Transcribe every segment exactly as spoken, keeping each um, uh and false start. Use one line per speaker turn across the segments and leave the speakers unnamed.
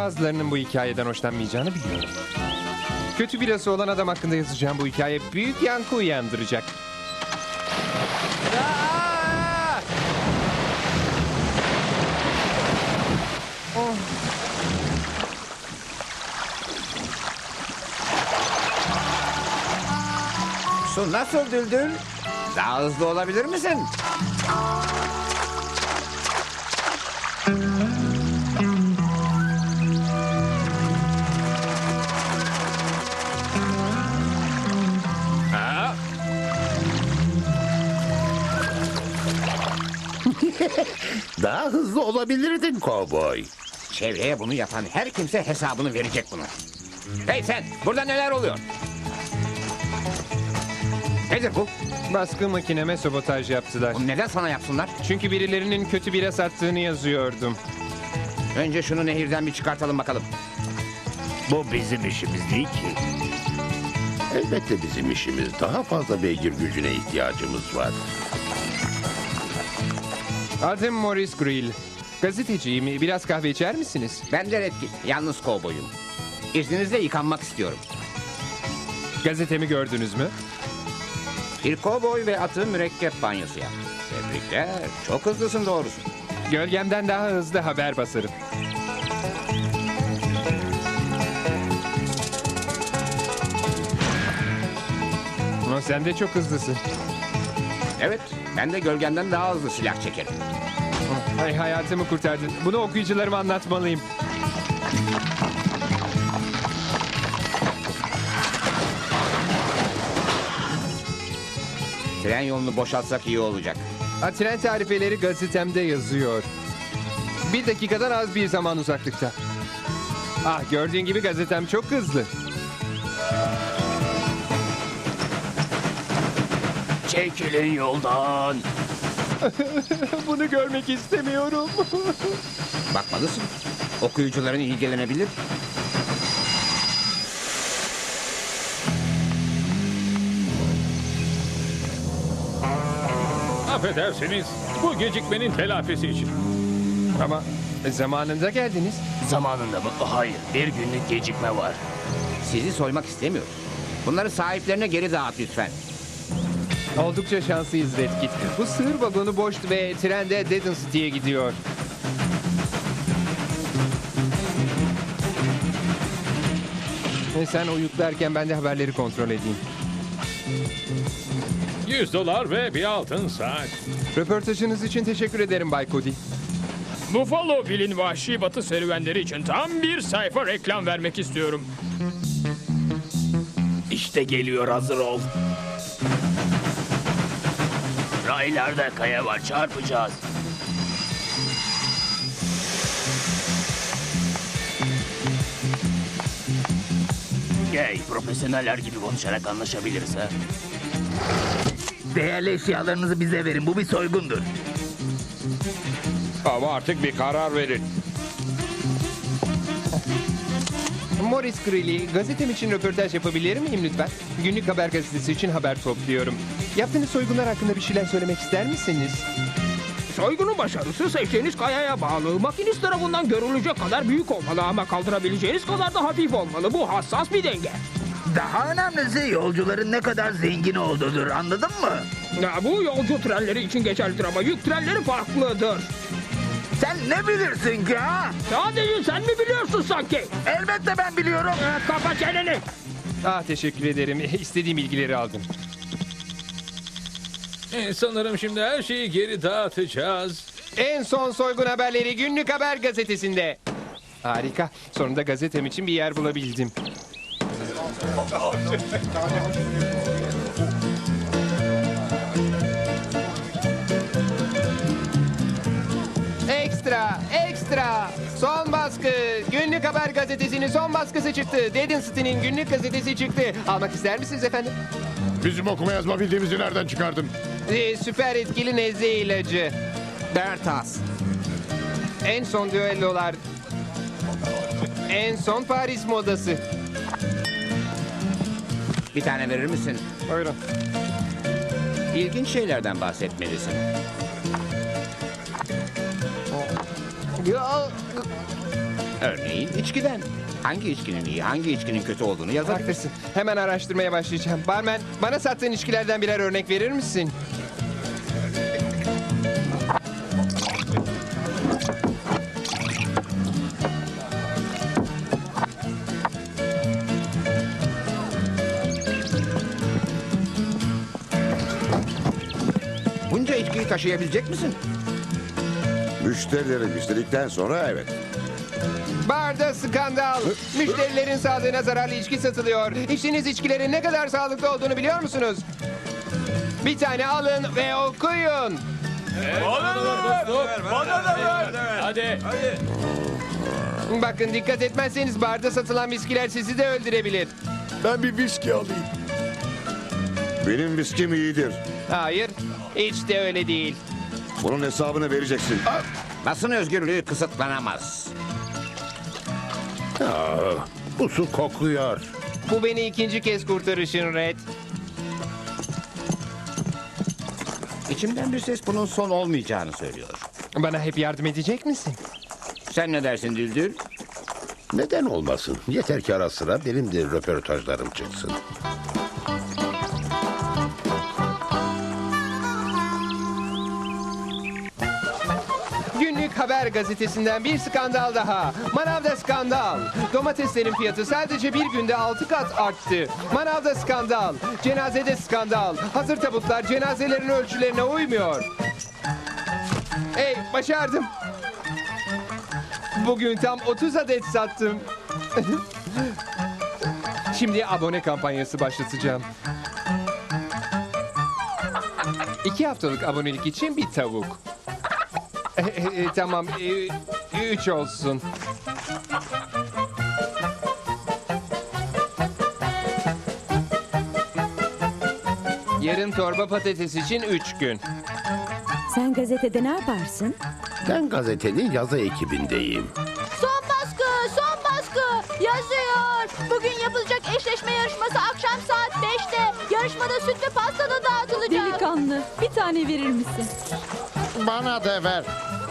Bazılarının bu hikayeden hoşlanmayacağını biliyorum. Kötü birası olan adam hakkında yazacağım bu hikaye büyük yankı uyandıracak. Aa! Oh.
Su nasıl Düldül? Daha hızlı olabilir misin?
Ha?
Daha hızlı olabilirdin kovboy.
Çevreye bunu yapan her kimse hesabını verecek buna. Hey sen, burada neler oluyor? Nedir bu?
Baskı makineme sabotaj yaptılar.
Bunu neden sana yapsınlar?
Çünkü birilerinin kötü bira sattığını yazıyordum.
Önce şunu nehirden bir çıkartalım bakalım.
Bu bizim işimiz değil ki. Elbette bizim işimiz. Daha fazla beygir gücüne ihtiyacımız var.
Adım Morris Grill. Gazeteciyim. Biraz kahve içer misiniz?
Ben de Redkit, yalnız kovboyum. İzninizle yıkanmak istiyorum.
Gazetemi gördünüz mü?
Bir kovboy ve atı mürekkep banyosu yap. Tebrikler, çok hızlısın doğrusu.
Gölgemden daha hızlı haber basarım. Ama sen de çok hızlısın.
Evet, ben de gölgemden daha hızlı silah çekerim.
Ay, hayatımı kurtardın. Bunu okuyucularıma anlatmalıyım.
Tren yolunu boşaltsak iyi olacak.
Ha, tren tarifeleri gazetemde yazıyor. Bir dakikadan az bir zaman uzaklıkta. Ah, gördüğün gibi gazetem çok hızlı.
Çekilin yoldan.
Bunu görmek istemiyorum.
Bakmalısın. Okuyucuların ilgilenebilir.
Affedersiniz, bu gecikmenin telafisi için.
Ama zamanında geldiniz.
Zamanında mı? Hayır, bir günlük gecikme var.
Sizi soymak istemiyoruz. Bunları sahiplerine geri dağıt lütfen.
Oldukça şanslıyız Redkit. Bu sığır vagonu boştu ve trende Dedon City'ye gidiyor. E sen uyuklarken ben de haberleri kontrol edeyim.
Yüz dolar ve bir altın saat.
Röportajınız için teşekkür ederim Bay Cody.
Buffalo Bill'in vahşi batı serüvenleri için tam bir sayfa reklam vermek istiyorum.
İşte geliyor, hazır ol. Raylarda kaya var, çarpacağız. Gel, profesyoneller gibi konuşarak anlaşabiliriz ha.
Değerli eşyalarınızı bize verin. Bu bir soygundur.
Ama artık bir karar verin.
Morris Greeley, gazetem için röportaj yapabilir miyim lütfen? Günlük Haber Gazetesi için haber topluyorum. Yaptığınız soygunlar hakkında bir şeyler söylemek ister misiniz?
Soygunun başarısı seçtiğiniz kayaya bağlı. Makinist tarafından görülecek kadar büyük olmalı ama kaldırabileceğiniz kadar da hafif olmalı. Bu hassas bir denge.
Daha önemlisi yolcuların ne kadar zengin olduğudur. Anladın mı?
Ya, bu yolcu trenleri için geçerlidir ama yük trenleri farklıdır.
Sen ne bilirsin ki ha?
Sadece sen mi biliyorsun sanki?
Elbette ben biliyorum.
Ee, kapa çeneni.
Ah, teşekkür ederim. İstediğim bilgileri aldım.
E, sanırım şimdi her şeyi geri dağıtacağız.
En son soygun haberleri Günlük Haber Gazetesi'nde. Harika. Sonunda gazetem için bir yer bulabildim. Ekstra, ekstra. Son baskı. Günlük Haber Gazetesi'nin son baskısı çıktı. Dedon City'nin günlük gazetesi çıktı. Almak ister misiniz efendim?
Bizim okuma yazma bildiğimizi nereden çıkardın?
Ee, süper etkili nezle ilacı.
Bertas.
En son düellolar. En son Paris modası.
Bir tane verir misin?
Buyurun.
İlginç şeylerden bahsetmelisin.
Ya,
Örneğin içkiden. Hangi içkinin iyi, hangi içkinin kötü olduğunu yazabilir.
Haklısın. Hemen araştırmaya başlayacağım. Barmen, bana sattığın içkilerden birer örnek verir misin?
Bunca içkiyi taşıyabilecek misin?
Müşterileri müşterikten sonra evet.
Barda skandal. Müşterilerin sağlığına zararlı içki satılıyor. İçtiğiniz içkilerin ne kadar sağlıklı olduğunu biliyor musunuz? Bir tane alın ve okuyun.
Hadi.
Bakın dikkat etmezseniz barda satılan viskiler sizi de öldürebilir.
Ben bir viski alayım. Benim viskim iyidir.
Hayır, hiç de öyle değil.
Bunun hesabını vereceksin.
Basın özgürlüğü kısıtlanamaz.
Aa, bu su kokuyor.
Bu beni ikinci kez kurtarışın Red.
İçimden bir ses bunun son olmayacağını söylüyor.
Bana hep yardım edecek misin?
Sen ne dersin Düldül?
Neden olmasın? Yeter ki ara sıra benim de röportajlarım çıksın.
Günlük Haber gazetesinden bir skandal daha. Manavda skandal. Domateslerin fiyatı sadece bir günde altı kat arttı. Manavda skandal. Cenazede skandal. Hazır tabutlar cenazelerin ölçülerine uymuyor. Hey, başardım. Bugün tam otuz adet sattım. Şimdi abone kampanyası başlatacağım. İki haftalık abonelik için bir tavuk. E, e, tamam, e, üç olsun. Yarın torba patates için üç gün.
Sen gazetede ne yaparsın?
Ben gazetenin yazı ekibindeyim.
Son baskı, son baskı yazıyor. Bugün yapılacak eşleşme yarışması akşam saat beşte. Yarışmada süt ve pasta da dağıtılacak.
Delikanlı, bir tane verir misin?
Bana da ver.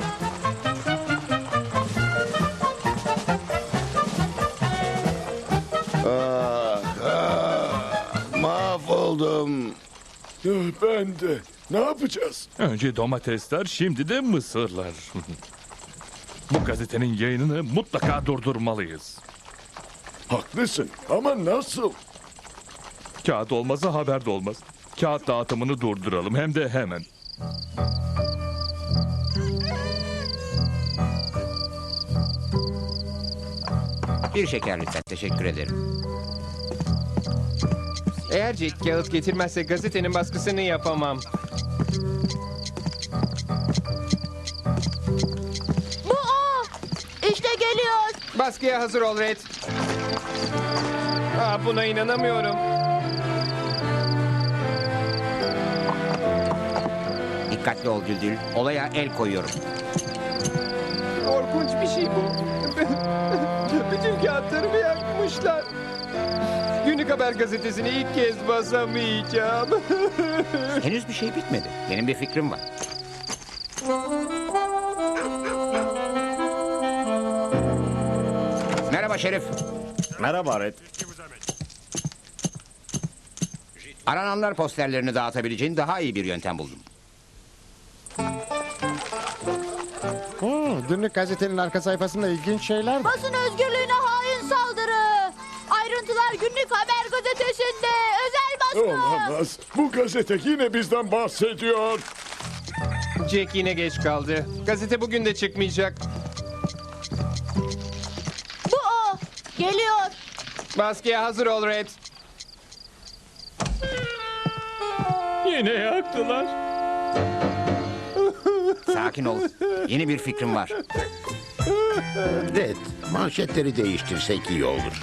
Ah, ah, mahvoldum.
Ben de. Ne yapacağız?
Önce domatesler, şimdi de mısırlar. Bu gazetenin yayınını mutlaka durdurmalıyız.
Haklısın ama nasıl?
Kağıt olmazsa haber de olmaz. Kağıt dağıtımını durduralım hem de hemen.
Bir şeker lütfen, teşekkür ederim.
Eğer Jack kağıt getirmezse gazetenin baskısını yapamam.
Bu o. İşte geliyor.
Baskıya hazır ol Red. Aa, buna inanamıyorum.
Dikkatli ol Düldül, olaya el koyuyorum.
Korkunç bir şey bu. Bütün kağıtlarımı yakmışlar. Günlük Haber gazetesini ilk kez basamayacağım.
Henüz bir şey bitmedi. Benim bir fikrim var. Merhaba Şerif.
Merhaba Red.
Arananlar posterlerini dağıtabileceğin daha iyi bir yöntem buldum.
Hmm, günlük gazetenin arka sayfasında ilginç şeyler var.
Basın özgürlüğüne hain saldırı. Ayrıntılar Günlük Haber gazetesinde. Özel baskı.
Olamaz. Bu gazete yine bizden bahsediyor.
Jack yine geç kaldı. Gazete bugün de çıkmayacak.
Bu o. Geliyor.
Baskıya hazır ol Red.
Yine yaktılar.
Sakin ol. Yeni bir fikrim var.
Red, manşetleri değiştirsek iyi olur.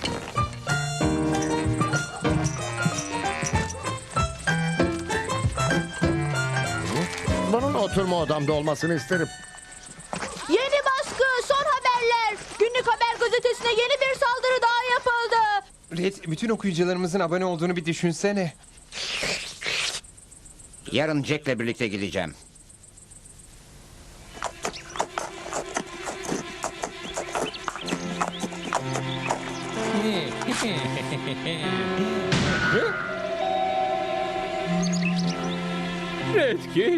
Bunun oturma odamda olmasını isterim.
Yeni baskı. Son haberler. Günlük Haber gazetesine yeni bir saldırı daha yapıldı.
Red, bütün okuyucularımızın abone olduğunu bir düşünsene.
Yarın Jack'le birlikte gideceğim.
Red Kit.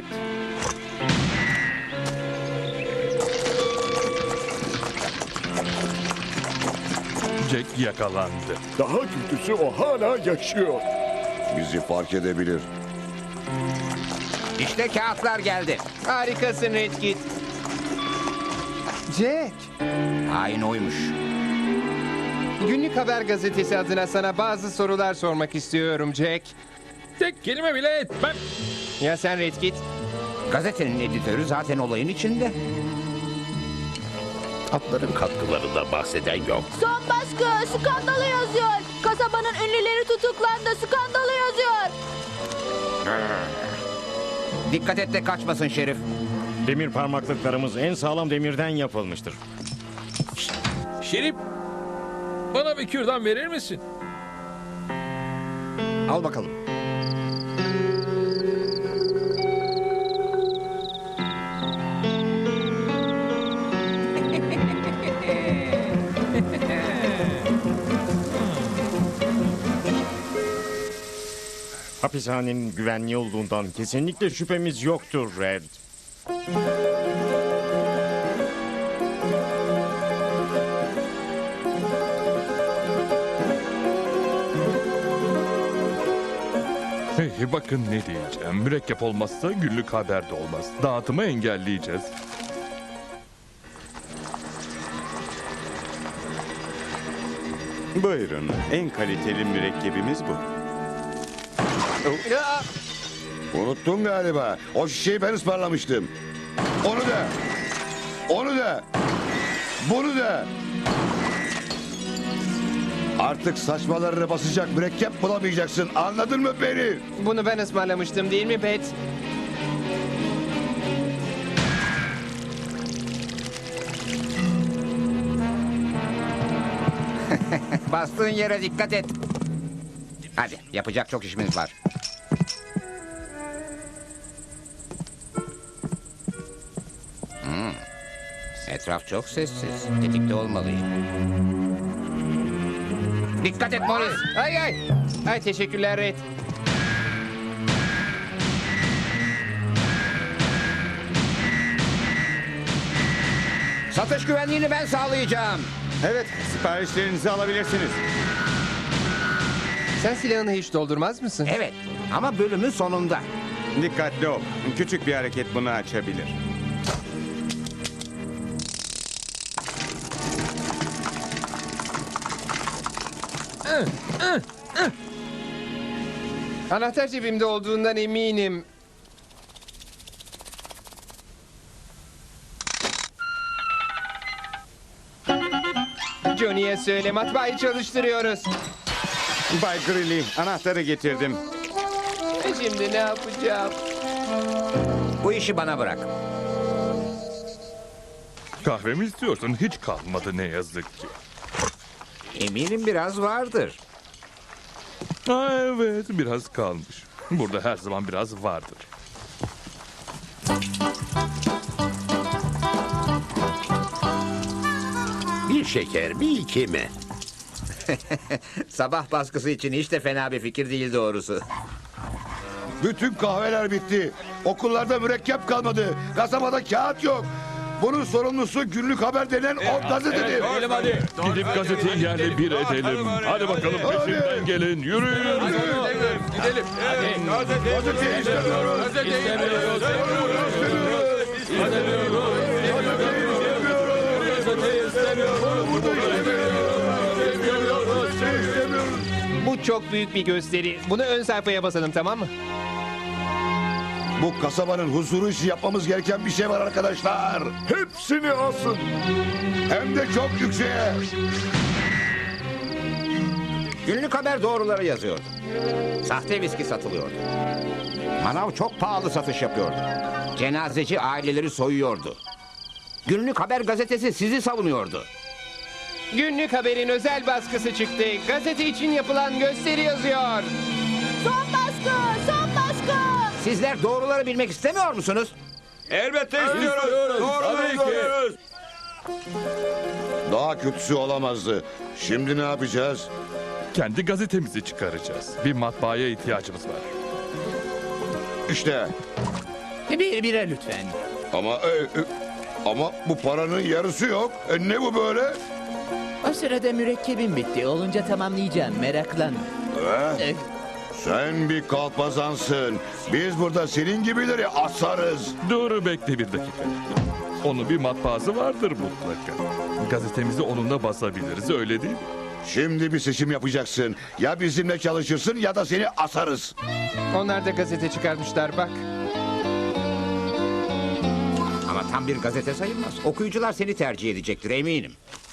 Jack yakalandı.
Daha kötüsü o hala yaşıyor.
Bizi fark edebilir.
İşte kağıtlar geldi.
Harikasın Red Kit. Jack,
Hain oymuş.
Günlük Haber Gazetesi adına sana bazı sorular sormak istiyorum Jack.
Tek kelime bile etmem.
Ya sen Red Kit?
Gazetenin editörü zaten olayın içinde.
Atların katkılarından bahseden yok.
Son baskı skandalı yazıyor. Kasabanın ünlüleri tutuklandı, skandalı yazıyor.
Dikkat et de kaçmasın Şerif.
Demir parmaklıklarımız en sağlam demirden yapılmıştır.
Şerif, bana bir kürdan verir misin?
Al bakalım.
Hapishanenin güvenli olduğundan kesinlikle şüphemiz yoktur Red.
Hey, bakın ne diyeceğim. Mürekkep olmazsa günlük haber de olmaz. Dağıtımı engelleyeceğiz.
Buyurun, en kaliteli mürekkebimiz bu.
Ya,
Unuttun galiba. O şişeyi ben ısmarlamıştım. Onu da. Onu da. Bunu da. Artık saçmalarını basacak mürekkep bulamayacaksın. Anladın mı beni?
bunu ben ısmarlamıştım değil mi Pet?
Bastığın yere dikkat et. Hadi yapacak çok işimiz var. Hmm. Etraf çok sessiz. Tetikte olmalıyım. Dikkat et Morris.
Ay ay. Ay teşekkürler Red.
Satış güvenliğini ben sağlayacağım.
Evet, siparişlerinizi alabilirsiniz.
Sen silahını hiç doldurmaz mısın?
Evet ama bölümün sonunda.
Dikkatli ol. Küçük bir hareket bunu açabilir.
Anahtar cebimde olduğundan eminim. Johnny'ye söyle, matbaayı çalıştırıyoruz.
Bay Grilly, anahtarı getirdim.
E şimdi ne yapacağım?
Bu işi bana bırak.
Kahve mi istiyorsun? Hiç kalmadı ne yazık ki.
Eminim biraz vardır.
Ha, evet, biraz kalmış. Burada her zaman biraz vardır.
Bir şeker, bir iki mi?
Sabah baskısı için hiç de fena bir fikir değil doğrusu.
Bütün kahveler bitti. Okullarda mürekkep kalmadı. Kasabada kağıt yok. Bunun sorumlusu günlük haber denen o gazetedir.
hadi. Gidip gazeteyi yerle bir edelim. Hadi bakalım peşimden gelin. Yürüyün.
Gidelim.
Gazeteyi istemiyoruz.
İstemiyoruz. Bu çok büyük bir gösteri. Bunu ön sayfaya basalım, tamam mı?
Bu kasabanın huzuru için yapmamız gereken bir şey var arkadaşlar.
Hepsini asın.
Hem de çok yükseğe.
Günlük haber doğruları yazıyordu. Sahte viski satılıyordu. Manav çok pahalı satış yapıyordu. Cenazeci aileleri soyuyordu. Günlük haber gazetesi sizi savunuyordu.
Günlük haberin özel baskısı çıktı. Gazete için yapılan gösteri yazıyor.
Son baskı, son baskı.
Sizler doğruları bilmek istemiyor musunuz?
Elbette istiyoruz. Doğruları istiyoruz.
Daha kötüsü olamazdı. Şimdi ne yapacağız?
Kendi gazetemizi çıkaracağız. Bir matbaaya ihtiyacımız var.
İşte
Bir bire lütfen.
Ama e, e, ama bu paranın yarısı yok. E, ne bu böyle?
O sırada mürekkebim bitti. Olunca tamamlayacağım. Meraklanma.
Eh, sen bir kalpazansın. Biz burada senin gibileri asarız.
Dur bekle bir dakika. Onun bir matbaası vardır mutlaka. Gazetemizi onunla basabiliriz öyle değil mi?
Şimdi bir seçim yapacaksın. Ya bizimle çalışırsın ya da seni asarız.
Onlar da gazete çıkarmışlar bak.
Ama tam bir gazete sayılmaz. Okuyucular seni tercih edecektir eminim.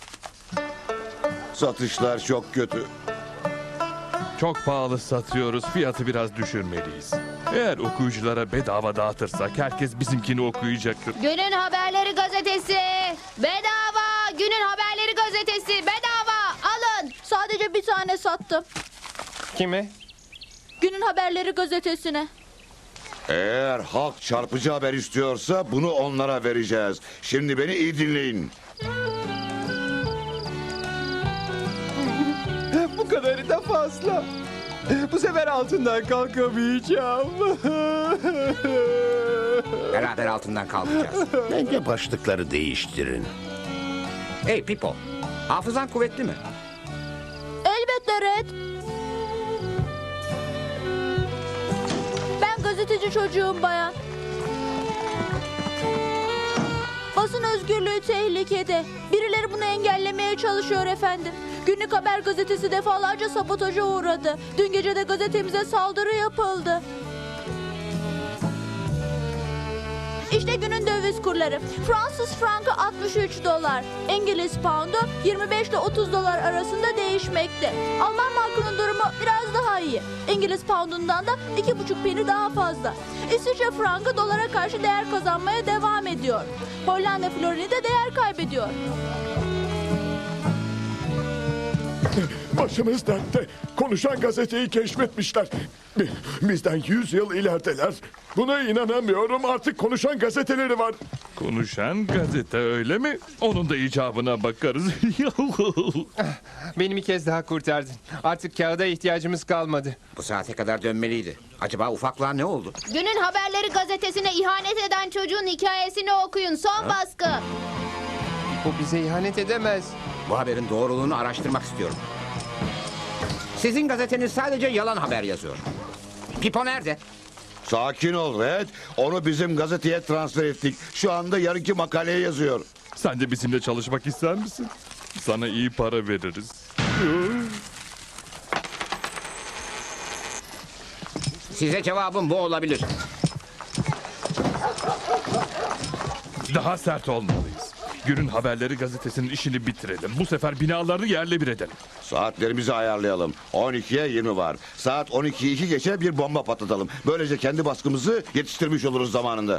Satışlar çok kötü.
Çok pahalı satıyoruz. Fiyatı biraz düşürmeliyiz. Eğer okuyuculara bedava dağıtırsak herkes bizimkini okuyacaktır.
Günün Haberleri gazetesi. Bedava. Günün Haberleri gazetesi. Bedava. Alın. Sadece bir tane sattım.
Kime?
Günün Haberleri gazetesine.
Eğer halk çarpıcı haber istiyorsa bunu onlara vereceğiz. Şimdi beni iyi dinleyin.
Bu kadarı da fazla. Bu sefer altından kalkamayacağım.
Beraber altından kalkacağız.
Bence başlıkları değiştirin.
Hey Pipo, hafızan kuvvetli mi?
Elbette Red. Ben gazeteci çocuğum bayan. Basın özgürlüğü tehlikede. Birileri bunu engellemeye çalışıyor efendim. Günlük Haber gazetesi defalarca sabotaja uğradı. Dün gece de gazetemize saldırı yapıldı. İşte günün döviz kurları. Fransız frankı altmış üç dolar. İngiliz poundu yirmi beş ile otuz dolar arasında değişmekte. Alman markının durumu biraz daha iyi. İngiliz poundundan da iki buçuk peni daha fazla. İsviçre frankı dolara karşı değer kazanmaya devam ediyor. Hollanda florini de değer kaybediyor.
Başımız dertte. Konuşan gazeteyi keşfetmişler. Bi- Bizden yüz yıl ilerideler. Buna inanamıyorum. Artık konuşan gazeteleri var.
Konuşan gazete öyle mi? Onun da icabına bakarız.
Beni bir kez daha kurtardın. Artık kağıda ihtiyacımız kalmadı.
Bu saate kadar dönmeliydi. Acaba ufaklığa ne oldu?
Günün Haberleri gazetesine ihanet eden çocuğun hikayesini okuyun. Son baskı.
Bu bize ihanet edemez.
Bu haberin doğruluğunu araştırmak istiyorum. Sizin gazeteniz sadece yalan haber yazıyor. Pipo nerede?
Sakin ol Red. Onu bizim gazeteye transfer ettik. Şu anda yarınki makaleye yazıyor.
Sen de bizimle çalışmak ister misin? Sana iyi para veririz.
Size cevabım bu olabilir.
Daha sert olmalıyız. Günün Haberleri gazetesinin işini bitirelim. Bu sefer binalarını yerle bir edelim.
Saatlerimizi ayarlayalım. on ikiye yirmi var. Saat on ikiyi iki geçe bir bomba patlatalım. Böylece kendi baskımızı yetiştirmiş oluruz zamanında.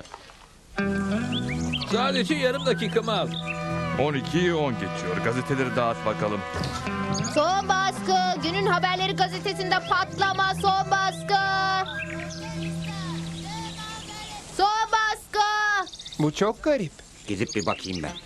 Sadece yarım dakikamı al.
on ikiyi on geçiyor. Gazeteleri dağıt bakalım.
Son baskı. Günün Haberleri gazetesinde patlama. Son baskı. Son baskı.
Bu çok garip.
Gidip bir bakayım ben.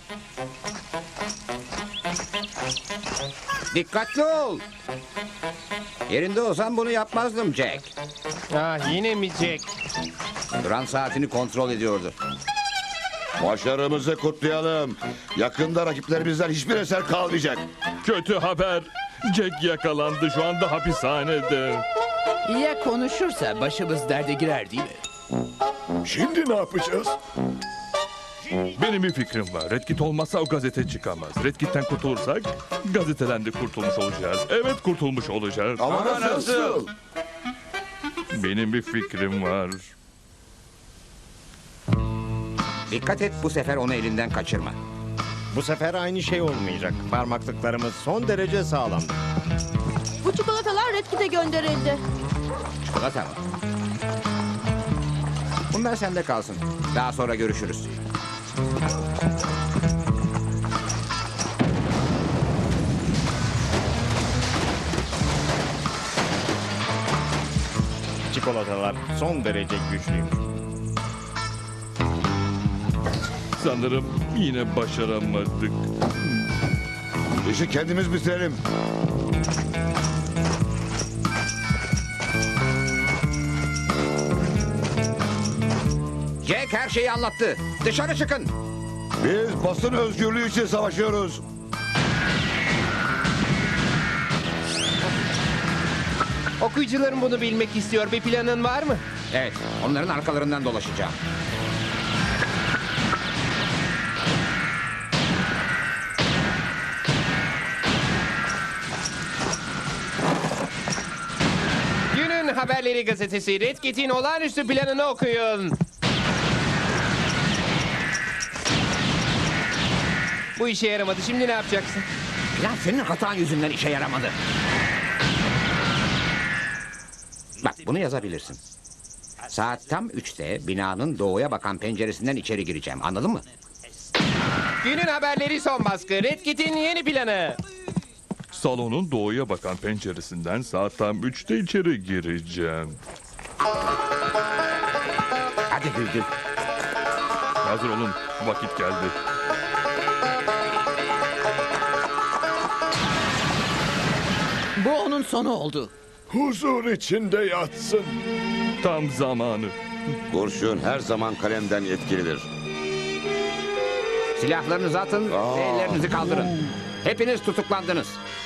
Dikkatli ol. Yerinde olsam bunu yapmazdım Jack.
Ah yine mi Jack?
Duran saatini kontrol ediyordu.
Başarımızı kutlayalım. Yakında rakiplerimizden hiçbir eser kalmayacak.
Kötü haber. Jack yakalandı. Şu anda hapishanede.
Ya konuşursa başımız derde girer değil mi?
Şimdi ne yapacağız?
Benim bir fikrim var. Red Kit olmazsa o gazete çıkamaz. Red Kit'ten kurtulursak gazeteden de kurtulmuş olacağız. Evet kurtulmuş olacağız.
Ama nasıl?
Benim bir fikrim var.
Dikkat et, bu sefer onu elinden kaçırma.
Bu sefer aynı şey olmayacak. Parmaklıklarımız son derece sağlam.
Bu çikolatalar Red Kit'e gönderildi.
Çikolata mı? Bunlar sende kalsın. Daha sonra görüşürüz.
Çikolatalar son derece güçlüymüş.
Sanırım yine başaramadık.
İşi kendimiz bitirelim.
Jack her şeyi anlattı. Dışarı çıkın.
Biz basın özgürlüğü için savaşıyoruz.
Okuyucularım bunu bilmek istiyor. Bir planın var mı?
Evet, onların arkalarından dolaşacağım.
Günün Haberleri gazetesi Red Kit'in olağanüstü planını okuyun. Bu işe yaramadı. Şimdi ne yapacaksın?
Plan senin hatan yüzünden işe yaramadı. Bak bunu yazabilirsin. Saat tam üçte binanın doğuya bakan penceresinden içeri gireceğim. Anladın mı?
Günün haberleri son baskı. Red Kit'in yeni planı.
Salonun doğuya bakan penceresinden saat tam üçte içeri gireceğim.
Hadi Güldül.
Hazır olun. Vakit geldi.
Bu onun sonu oldu.
Huzur içinde yatsın.
Tam zamanı.
Kurşun her zaman kalemden etkilidir.
Silahlarınızı atın
Aa.
ve ellerinizi kaldırın. Hepiniz tutuklandınız.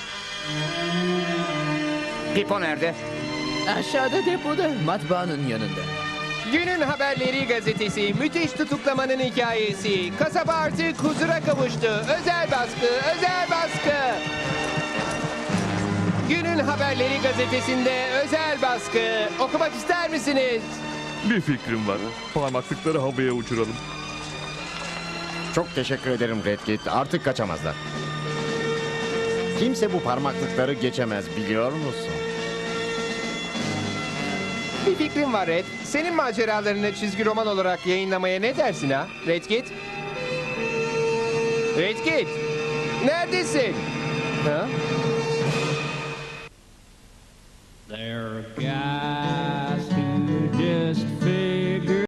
Pipo nerede?
Aşağıda depoda, matbaanın yanında.
Günün Haberleri gazetesi müthiş tutuklamanın hikayesi. Kasaba artık huzura kavuştu. Özel baskı, özel baskı. Günün Haberleri gazetesinde özel baskı. Okumak ister misiniz?
Bir fikrim var. Parmaklıkları havaya uçuralım.
Çok teşekkür ederim Red Kit. Artık kaçamazlar. Kimse bu parmaklıkları geçemez biliyor musun?
Bir fikrim var Red. Senin maceralarını çizgi roman olarak yayınlamaya ne dersin ha? Red Kit? Red Kit? Neredesin? Ha?